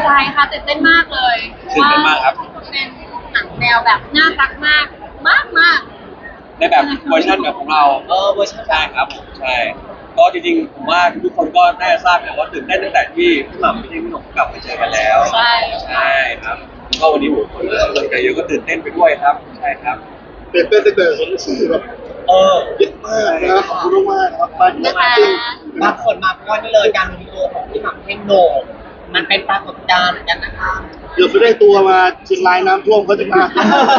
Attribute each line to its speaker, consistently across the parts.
Speaker 1: ใจค่ะตื่นเต้นมากเลย
Speaker 2: ตื่นเต้นมากครับ
Speaker 1: เป็นหนังแนวแบบน่ารักมากมาก
Speaker 2: ในแบบเวอร์ชันแบบของเรา
Speaker 3: เวอร์ชัน
Speaker 2: ใช่ครับผมใช่ก็จริงๆผมว่าทุกคนก็น่าจะทราบนะว่าตื่นเต้นตั้งแต่ที่พี่หม่ำพี่หนุ่มกลับมาเจอกันแล้ว
Speaker 1: ใช่
Speaker 2: ใช่ครับก็วันนี้ผมคนกำลังใจเยอะก็ตื่นเต้นไปด้วยครับใช่ครับ
Speaker 4: ตื่นเต้นตั้งแต่เห็นสื่อแบบเยอะมากนะครับขอบคุณมากนะครับมาจริง
Speaker 3: บางคนมาเพราะว่านี่เลยการรวมตัวของพี่หม่ำเท่งโหน่งมันเป็นปรากฏการณ์เหมือนกันนะคะ
Speaker 4: เดี๋ยวจะได้ตัวมาเชียงรายน้ำท่วมเขาจะมา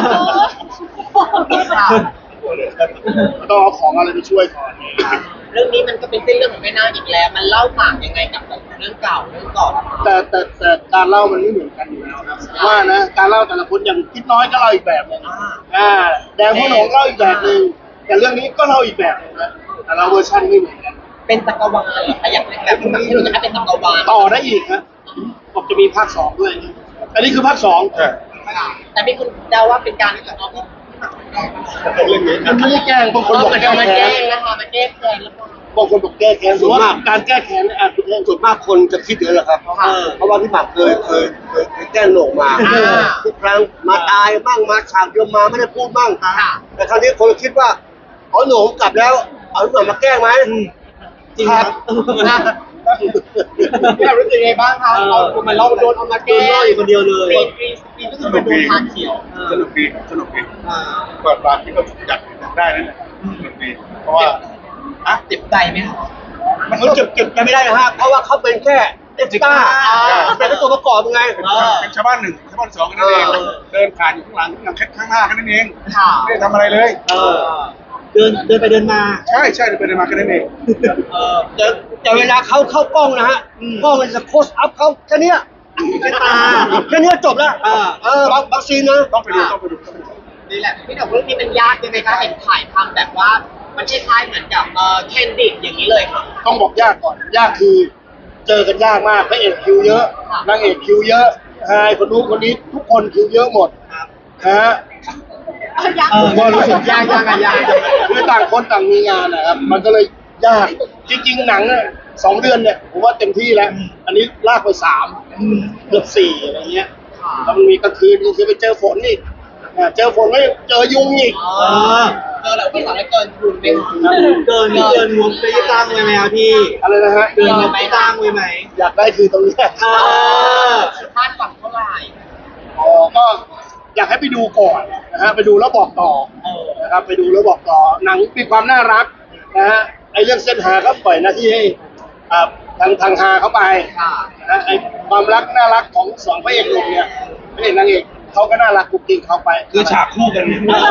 Speaker 4: ต้องเอาของอะไรไปช่วยก่อน
Speaker 3: เรื่องนี้มันก็เป็นเส้นเรื่องของแม่นาคอีกแล้ว มันเล่าต่างยังไงกับเรื่องเก่าเรื่องก่อน
Speaker 4: แต่การเล่ามันไม่เหมือนกันอยู่แล้วครับว่านะการเล่าแต่ละคนอย่างคิดน้อยก็เล่าอีกแบบนึงแดงพ่อหนองเล่าอีกแบบนึงแต่เรื่องนี้ก็เล่าอีกแบบนึงนะแต่เราเวอร์ชันไม่เหมือนกัน
Speaker 3: เป็นจักรวาลเหรอคะอยากเป็นแบบที่เราจะให้เป็นจักรวาล
Speaker 4: ต่อได้อีกนะบอกจะมีภาค2ด้วยอันนี้คือภาค2
Speaker 3: แต่มีคนเดาว่าเป็นการที่แบบเอาพี่
Speaker 4: เรื่องนี้มันไม่ได้แกล้งบางคนบอกแก้
Speaker 3: มา
Speaker 4: แค้
Speaker 3: แก้
Speaker 4: น
Speaker 3: นะคะมาแก้แค้นแล้วก็
Speaker 4: บางคนบอกแก้แค้นส่วนมากการแก้แค้นส่วนมากคนจะคิดเยอะแหละครับเพราะว่าพี่หมากเคยแก้โหน่งมาทุกครั้งมาตายบ้างมาฉากเดียวมาไม่ได้พูดบ้างแต่ครั้งนี้คนคิดว่าอ๋อโหน่งกลับแล้วเอาพี่หมากมาแก้ไหม
Speaker 3: จริงครับพี่รู้สึกไงบ้างคะเราโดนเอามาแก้
Speaker 4: อยู่คนเดียวเลย
Speaker 3: ปีก็คือเป็นโดนทางเขียว
Speaker 4: สนุกดีเปิดร้านที่ก็จัดได้นั่นแหละสนุกดีเพราะว่า
Speaker 3: เจ็บใจไหมครับ
Speaker 4: มันเก็บกันไม่ได้นะฮะเพราะว่าเขาเป็นแค่เอ็กซ์ตร้าเป็นตัวประกอบไงเป็นชาวบ้าน1ชาวบ้าน2กันนั่นเองเดินผ่านอยู่ข้างหลังข้างหน้ากันนั่นเองไม่ได้ทำอะไรเลยเดินไปเดินมาใช่เดินไปเดินมากันนั่นเองแต่เวลาเขาเข้ากล้องนะฮะกล้องมันจะโคสอัพเขาแค่นี้แค่ตาแค่นี้จบแล้วบางซีนนะต้องไปดู
Speaker 3: นี่แหละพี่หนุ่มเรื่องนี้มันยากยังไงคะเห็นถ่ายทำแบบว่ามันคล้ายๆเหมือนกับแคนดิดอย่างนี้เลยค่ะต้องบอกยากก่อนยากคือเจอกันยากมากพระเอกคิวเยอะนางเอกคิวเยอะคนนู้นคนนี้ทุกคนคิวเยอะหมดฮะผมก็รู้สึกยากคือต่างคนต่างมีงานนะครับมันก็เลยยากจริงๆหนัง2 เดือนเนี่ยผมว่าเต็มที่แล้วอันนี้ลากไป3เกือบ4อะไรเงี้ยแล้วมันมีกลางคืนไปเจอฝนอีกเจอฝนไม่เจอยุงอีกเจอแล้วพี่สาวเกินทุนไปเกินงบไปตั้งไว้ไหมครับพี่อะไรนะฮะเกินงบไปตั้งไว้ไหมอยากได้คือตรงนี้คาดหวังเท่าไหร่ก็อยากให้ไปดูก่อนนะฮะไปดูแล้วบอกต่อนะครับไปดูแล้วบอกต่อหนังมีความน่ารักนะฮะไอเรื่องเส้นหาก็ปล่อยหน้าที่ให้ทางฮาเข้าไปนะไอความรักน่ารักของ2พระเอกหนุ่มเนี่ยพระเอกนางเอกเขาก็น่ารักกุ๊กกิ๊กเข้าไป
Speaker 2: คือฉากคู่กัน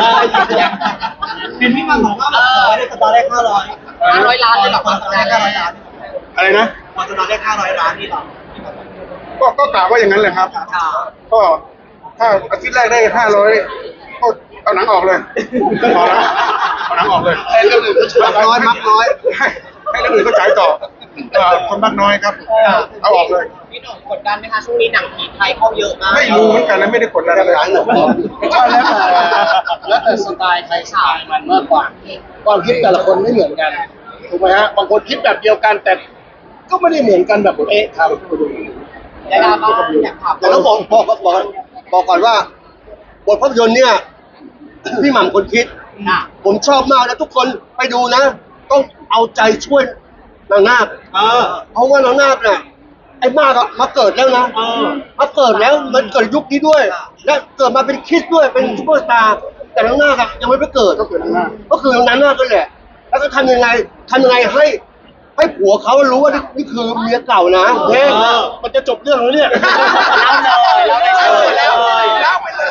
Speaker 3: เป็นพี่มันบอกว่าในสตาร์ได้500 ล้านเลยหรอความสตาร์ได้500 ล้าน
Speaker 4: อะไรนะ
Speaker 3: ความสตาร์ได้500 ล้านนี่หรอ
Speaker 4: ก็กล่าวว่าอย่างนั้นเลยครับก็ถ้าอาทิตย์แรกได้500ก็เอาหนังออกเลยพอแล้วเอาหนังออกเลยให้เรื่องอื่นก็ฉายมักน้อยให้เรื่องอื่นก็ฉายต่อคนมักน้อยครับเอาออกเลย
Speaker 3: พี่หนุ่มกดดันไหมคะช่วงนี้หนังผีไทยเข้าเยอะมาก
Speaker 4: ไม่รู้เหมือนกันนะไม่ได้กดดันอะไรใช่แล้วแต่สไตล์ใครสไตล์มันมากกว่าความคิดแต่ละคนไม่เหมือนกันถูกไหมฮะบางคนคิดแบบเดียวกันแต่ก็ไม่ได้เหมือนกันแบบครับ
Speaker 3: อยากถาม
Speaker 4: แต่ต้องบอกก่อนว่าบทภาพยนตร์เนี่ยพี่หม่ำคนคิดผมชอบมากนะทุกคนไปดูนะต้องเอาใจช่วยนางนาคเพราะว่านางนาคเนี่ยไอ้มากมาเกิดแล้วนะมาเกิดแล้วมันเกิดยุคนี้ด้วยและเกิดมาเป็นคริสด้วยเป็นซุปเปอร์สตาร์แต่นางนาคยังไม่ไปเกิดก็คือนางนาคก็แหละแล้วก็ทำยังไงให้ผัวเขารู้ว่านี่คือเมียเก่านะมันจะจบเรื่องแล้วเนี่ย
Speaker 3: เล่าไปเลย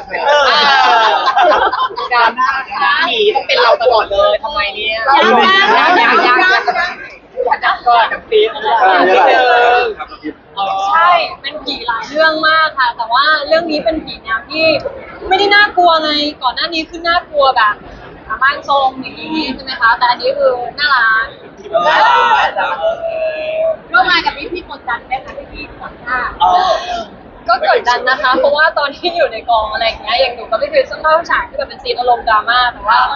Speaker 3: การหน้าผีต้องเป็นเราตลอดเลยทำไมเนี่ยยังจับก่อนกับปี
Speaker 1: ใช่เป็นผีหลายเรื่องมากค่ะแต่ว่าเรื่องนี้เป็นผีแนวที่ไม่ได้น่ากลัวไงก่อนหน้านี้คือน่ากลัวแบบบ้านทรงอย่างนี้ใช่ไหมคะแต่อันนี้คือน่ารักร่วมงานกับพี่กดดันไหมคะพี่สัมภาษณ์ก็กดดันนะคะเพราะว่าตอนที่อยู่ในกองอะไรอย่างเงี้ยอย่างหนูก็ไม่เคยเข้าฉากที่แบบเป็นซีนอารมณ์ดราม่าแต่ว่า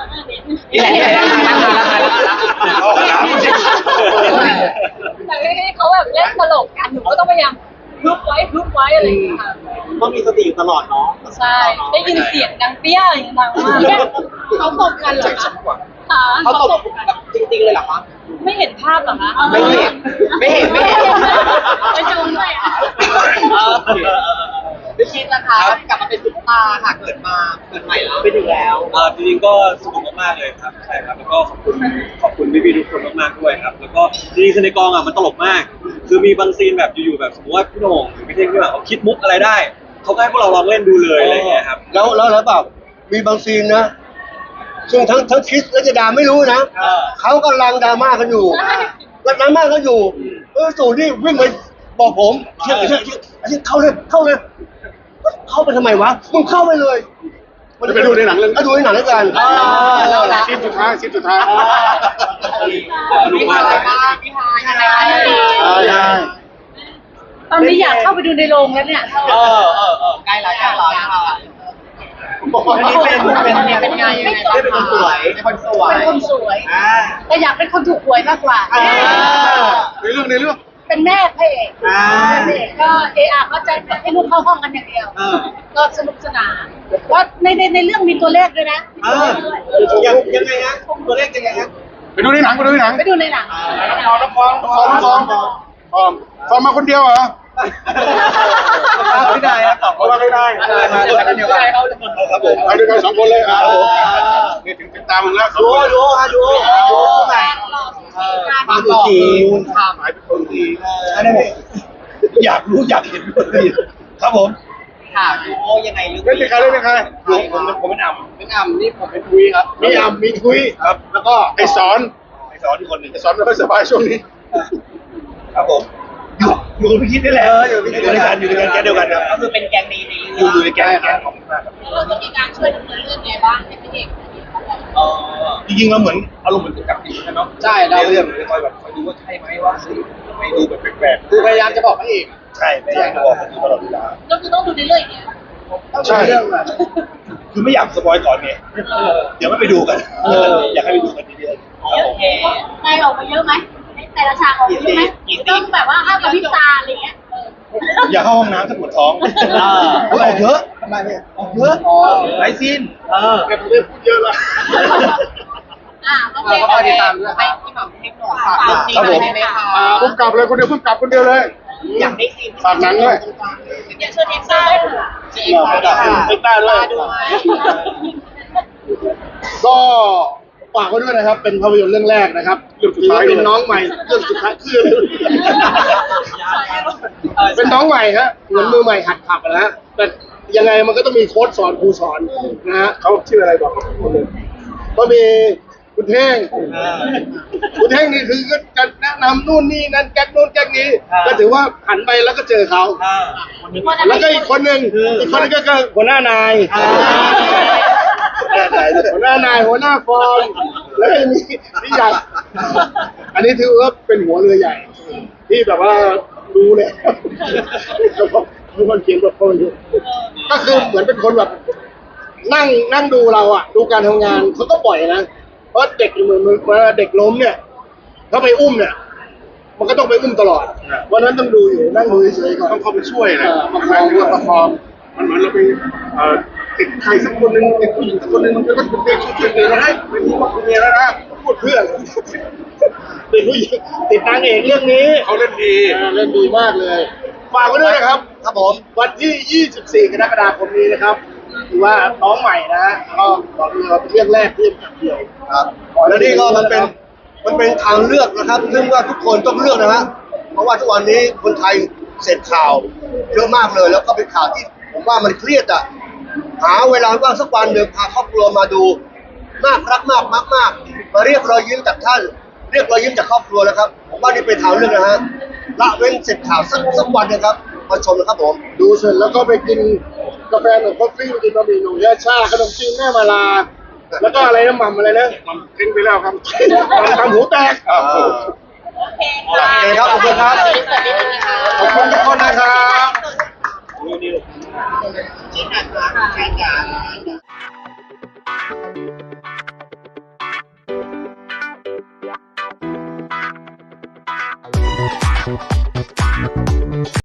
Speaker 1: แต่ให้เขาแบบเล่นตลกกันหนูก็ต้องพยายามพึบไว้อะไรอย่างเงี้ยค่ะ
Speaker 3: ต้องมีสติอยู่ตลอดเนาะ
Speaker 1: ใช่ได้ยินเสียงดังเปี้ยอย่างดังมากเขาตบกันเหรอคะค่ะ
Speaker 3: เขาตบแบบจริงๆเลยเหรอคะ
Speaker 1: ไม่เห็นภาพเหรอคะ
Speaker 3: ไม่เห็นไม่เห็น
Speaker 1: ไปดูด้วยอ่ะ
Speaker 3: พี่คิดนะคะกลับมาเป็นซุปตาค่ะเกิดใหม่แล้วเป็นอีกแล้ว
Speaker 2: จริงๆก็สนุกมากๆเลยครับใช่ครับแล้วก็ขอบคุณพี่ๆทุกคนมากๆด้วยครับแล้วก็จริงๆคือในกองมันตลกมาก คือมีบางซีนแบบอยู่ๆแบบสมมติว่าพี่โหน่งหรือพี่เท่งพี่หมากเขาคิดมุกอะไรได้เขาก็ให้พวกเราลองเล่นดูเลยอะไรอย่างเงี้ยครับ
Speaker 4: แล้วเปล่ามีบางซีนนะซึ่งทั้งคริสและเจดาไม่รู้นะเขากำลังดราม่ากันอยู่กำลังดราม่ากันอยู่สู่นี่วิ่งไปบอกผมเชื่อเข้าเลยเข้าไปทำไมวะมึงเข้าไปเลยมันไปดูในหนังเรื่องดูในหนังแล้วกันซีนสุดท้าย
Speaker 3: สนุกมากพี่ฮาย
Speaker 1: ตอนนี้อยากเข้าไปดูในโรงแล้วเนี่ย
Speaker 3: ใกล้แล้วอันนี้เป็นไงได้เป็นคนสวย
Speaker 1: เป็นคนสวยแต่อยากเป็นคนถูกหวยมากกว่า
Speaker 4: ในเรื่อง
Speaker 1: เป็นแม่พระเอกก็ก็จะให้ลูกเข้าห้องกันอย่างเดียวก็สนุกสนานว่าในเรื่องมีตัวเลขด้วยนะ
Speaker 3: ยังไงฮะตัวเลขยังไงฮะ
Speaker 4: ไปดูในหนัง
Speaker 1: ไปดูในหนัง
Speaker 4: น้องฟองมาคนเดียวเหรอ
Speaker 2: ไม่ได้ครับตอบ
Speaker 4: ไม่ได้
Speaker 2: มาด้วยกันเดียวกันครับผม
Speaker 4: ไปด้วยกัน2 คนเลยนี่ถึงตามมึงแล้วดู
Speaker 3: ไหนความหล่อคุณทำ
Speaker 4: หายเป็นคนดี
Speaker 2: อันนี้อยากรู้อยากเห็นด้วยครับผม
Speaker 3: ค่ะดูยังไงเรื่อง
Speaker 4: เล่นเป็นใครผมเป็นอ่ำ
Speaker 3: เป็นอ่ำนี่ผมเป็นคุยครับ
Speaker 4: มีอ่ำมีทุยครับ แล้วก็ไอสอนที่คนหนึ่งไอสอนไม่ค่อยสบายช่วงนี้
Speaker 2: ครับผมอยู่กับพี่คิดนี่แหละอยู่ด้วยกันแก๊งเดียวกันครับ
Speaker 3: ก็คือเป็นแก๊งนี้ในเรื่อง
Speaker 2: อยู่ในแก๊งของมาก
Speaker 1: แล้วเราจะมีการช่วยดำเนินเรื่องไงบ้างให้พระเอก
Speaker 2: จริงๆเราเหมือนอารมณ์เหมือนกับดีกันเนาะ
Speaker 3: ใช่เรา
Speaker 2: เรื่องเลยคอยแบบคอยดูว่าใช่ไหมว่าสิไม่ดูแบบแปลก
Speaker 3: คือพยายามจะบอกพระเอก
Speaker 2: ๆใช่ไม่อยากจะบอกกันตลอดเวลา
Speaker 1: ก็คือต้องดูในเรื่องเนี่ย
Speaker 3: ต้องดูเรื่องอะ
Speaker 2: คือไม่อยากสปอยก่อนไงเดี๋ยวไม่ไปดูกันอยากให้ไปดูกันเรื่อยๆครับผม
Speaker 1: ในออกมาเยอะไหมแต่ละฉากออกมาเยอะไหมต้องแบบว่าห้ามกระพริบตาอะไรเงี้ย
Speaker 2: อย่าเข้าห้องน้ำถ้าปวดท้องออกเยอะทำไมเนี่ยออกเยอะหลายซีน
Speaker 4: แต่ผมได้พูดเยอะละ
Speaker 1: โอเค
Speaker 3: ก็ติดตามด้วยให้พี่หม่ำให้หน่อยฝากเรื่องนี้หน่อยได้ไหมคะ
Speaker 4: พุ่งกลับเลยคนเดียวพุ่งกลับคนเดียวเลย
Speaker 3: อยากได้ซีน
Speaker 4: ฝากหนังด้วย
Speaker 1: อย่าเชิญเอ็กซ่าด้วยค่ะ
Speaker 3: ซีนค่ะ
Speaker 4: ได้ด้วยก็ฝากไว้ด้วยนะครับ เป็นภาพยนตร์เรื่องแรกนะครับเรื่องสุดท้ายเป็นน้องใหม่เรื่องสุดท้ายคือเป็นน้องใหม่ฮะเหมือนมือใหม่หัดขับนะฮะแต่ยังไงมันก็ต้องมีโค้ชสอนครูสอนนะฮะเขาชื่ออะไรบอกก็มีคุณแท่งนี่คือก็จะแนะนำนู่นนี่นั่นแก๊กนู่นแก๊กนี้ก็ถือว่าหันไปแล้วก็เจอเขาแล้วก็อีกคนหนึ่งก็คือหัวหน้านายหัวหน้านายหัวหน้าฟอร์มแล้วก็มีพี่ใหญ่อันนี้ถือว่าเป็นหัวเรือใหญ่ ที่แบบว่ารู้เลยมีคนเขียนบทคนอยู่ก็คือเหมือนเป็นคนแบบนั่งดูเราอ่ะดูการทำงานเขาก็ปล่อยนะเพราะเด็กเหมือนเวลาเด็กล้มเนี่ยถ้าไปอุ้มเนี่ยมันก็ต้องไปอุ้มตลอดวันนั้นต้องดูอยู่นั่งดูเฉยๆก่อนต้องเข้าไปช่วยนะประคองมันเหมือนเราไปติดใครสักคนหนึ่งติดผู้หญิงสักคนหนึ่งมันก็เป็นเด็กชุดเด็กแล้วนะเป็นผู้บอกคุณเมียแล้วนะพูดเพื่อนติดผู้หญิงติดนางเอกเรื่องนี้เขาเล่นดีมากเลยฝากไว้ด้วยนะครับครับผมวันที่ 24 กรกฎาคมนี้นะครับถือว่าน้องใหม่นะก็บอกเลยว่าเป็นเรื่องแรกที่เป็นเดียวครับแล้วนี่ก็มันเป็นทางเลือกนะครับซึ่งว่าทุกคนต้องเลือกนะฮะเพราะว่าทุกวันนี้คนไทยเสพข่าวเยอะมากเลยแล้วก็เป็นข่าวที่ผมว่ามันเครียดอ่ะหาเวลาว่างสักวันหนึ่งพาครอบครัวมาดูน่ารักมากมาเรียกรอยยิ้มจากท่านเรียกรอยยิ้มจากครอบครัวนะครับผมว่านี่เป็นทางเลือกนะฮะละเว้นเสพข่าวสักวันนะครับมาชมนะครับผมดูเสร็จแล้วก็ไปกินกาแฟหนุ่มคอฟฟี่กินบะหมี่หนุ่มยาชาขนมจีนแม่มาลาแล้วก็อะไรนะหม่ำอะไรนะหม่ำทิ้งไปแล้วครับทำหูแตกโอเคครับขอบคุณครับขอบคุณทุกคนนะครับ
Speaker 3: ที่ไหนคะใช่จ้ะ